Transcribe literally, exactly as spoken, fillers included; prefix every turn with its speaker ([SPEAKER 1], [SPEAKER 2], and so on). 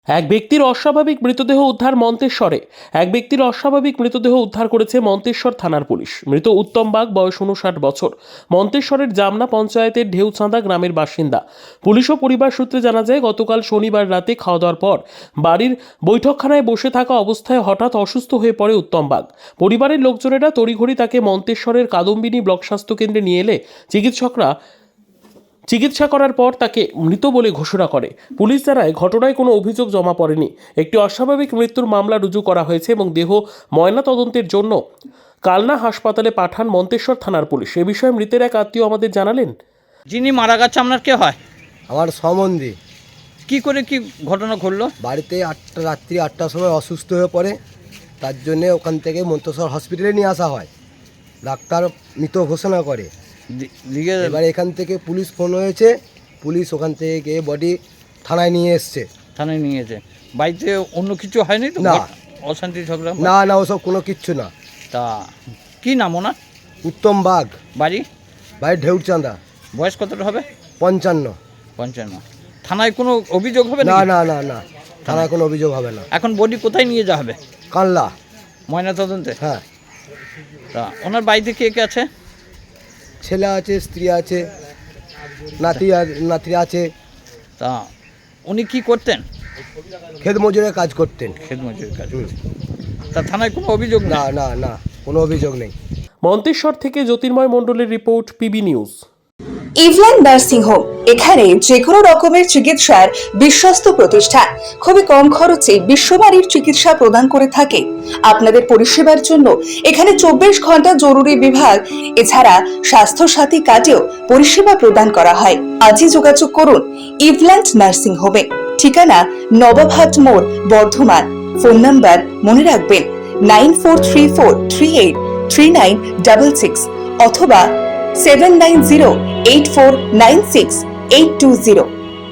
[SPEAKER 1] এক ব্যক্তির অস্বাভাবিক মৃতদেহ উদ্ধার মন্তেশ্বরে। এক ব্যক্তির অস্বাভাবিক মৃতদেহ উদ্ধার করেছে মন্তেশ্বর থানার পুলিশ। মৃত উত্তম বাগ, বয়স উনষাট বছর, মন্তেশ্বরের জামনা পঞ্চায়েতের ঢেউচাঁদা গ্রামের বাসিন্দা। পুলিশ ও পরিবার সূত্রে জানা যায়, গতকাল শনিবার রাতে খাওয়া দাওয়ার পর বাড়ির বৈঠকখানায় বসে থাকা অবস্থায় হঠাৎ অসুস্থ হয়ে পড়ে উত্তম বাগ। পরিবারের লোকজনেরা তড়িঘড়ি তাকে মন্তেশ্বরের কাদম্বিনী ব্লক স্বাস্থ্য কেন্দ্রে নিয়ে এলে চিকিৎসকরা চিকিৎসা করার পর তাকে মৃত বলে ঘোষণা করে। পুলিশ জানায়, ঘটনায় কোনো অভিযোগ জমা পড়েনি। একটি অস্বাভাবিক মৃত্যুর মামলা রুজু করা হয়েছে এবং দেহ ময়না তদন্তের জন্য কালনা হাসপাতালে পাঠান মন্তেশ্বর থানার পুলিশ। এ বিষয়ে মৃতের এক আত্মীয় আমাদের জানালেন,
[SPEAKER 2] যিনি মারা গেছে আপনার কে হয়?
[SPEAKER 3] আমার সম্বন্ধী।
[SPEAKER 2] কি করে কি ঘটনা ঘটলো?
[SPEAKER 3] বাড়িতে আটটা রাত্রি আটটার সময় অসুস্থ হয়ে পড়ে, তার জন্যে ওখান থেকে মন্তেশ্বর হসপিটালে নিয়ে আসা হয়। ডাক্তার মৃত ঘোষণা করে।
[SPEAKER 2] দি- দিকে
[SPEAKER 3] এবার এখান থেকে পুলিশ ফোন হয়েছে, পুলিশ ওখান থেকে গিয়ে বডি থানায় নিয়ে এসছে।
[SPEAKER 2] থানায় নিয়েছে। বাড়িতে অন্য কিছু হয়নি তো?
[SPEAKER 3] না।
[SPEAKER 2] ঘট- অশান্তি ঝগড়া?
[SPEAKER 3] না না ওসব কোনো কিচ্ছু না।
[SPEAKER 2] তা কি নাম ওনার?
[SPEAKER 3] উত্তম বাগ,
[SPEAKER 2] বাড়ি?
[SPEAKER 3] বাড়ির ঢেউচাঁদা,
[SPEAKER 2] বয়স কতটা হবে?
[SPEAKER 3] পঞ্চান্ন।
[SPEAKER 2] পঞ্চান্ন। থানায় কোনো অভিযোগ হবে
[SPEAKER 3] না
[SPEAKER 2] নাকি?
[SPEAKER 3] না না না থানায় কোনো অভিযোগ হবে না।
[SPEAKER 2] এখন বডি কোথায় নিয়ে যাওয়া হবে?
[SPEAKER 3] কানলা।
[SPEAKER 2] ময়না তদন্তে?
[SPEAKER 3] হ্যাঁ,
[SPEAKER 2] তা ওনার বাড়িতে কে কে আছে?
[SPEAKER 3] ছেলে আছে, স্ত্রী আছে, নাতি আর- নাতি আছে।
[SPEAKER 2] তা উনি কি করতেন?
[SPEAKER 3] ক্ষেত মজুরের কাজ করতেন।
[SPEAKER 2] খেত মজুরির কাজ।
[SPEAKER 3] হুম।
[SPEAKER 2] তা থানায় কোনো অভিযোগ
[SPEAKER 3] না
[SPEAKER 2] না?
[SPEAKER 3] না না কোনো অভিযোগ নেই।
[SPEAKER 1] মন্তেশ্বর থেকে জ্যোতির্ময় মণ্ডলের report, PB news.
[SPEAKER 4] Evland nursing home, এখানে যে কোনো রকমের চিকিৎসার বিশ্বস্ত প্রতিষ্ঠান। খুবই কম খরচে বিশ্বমানের চিকিৎসা প্রদান করে থাকে। আপনাদের পরিষেবার জন্য এখানে চব্বিশ ঘন্টা জরুরি বিভাগ, এছাড়া স্বাস্থ্য সাথী কার্ডেও পরিষেবা প্রদান করা হয়। আজই যোগাযোগ করুন ইভল্যান্ড নার্সিং হোমে। ঠিকানা নবাবহাট মোড়, বর্ধমান। ফোন নাম্বার মনে রাখবেন nine four three four three eight three nine double six অথবা seven nine zero eight four nine six eight two zero.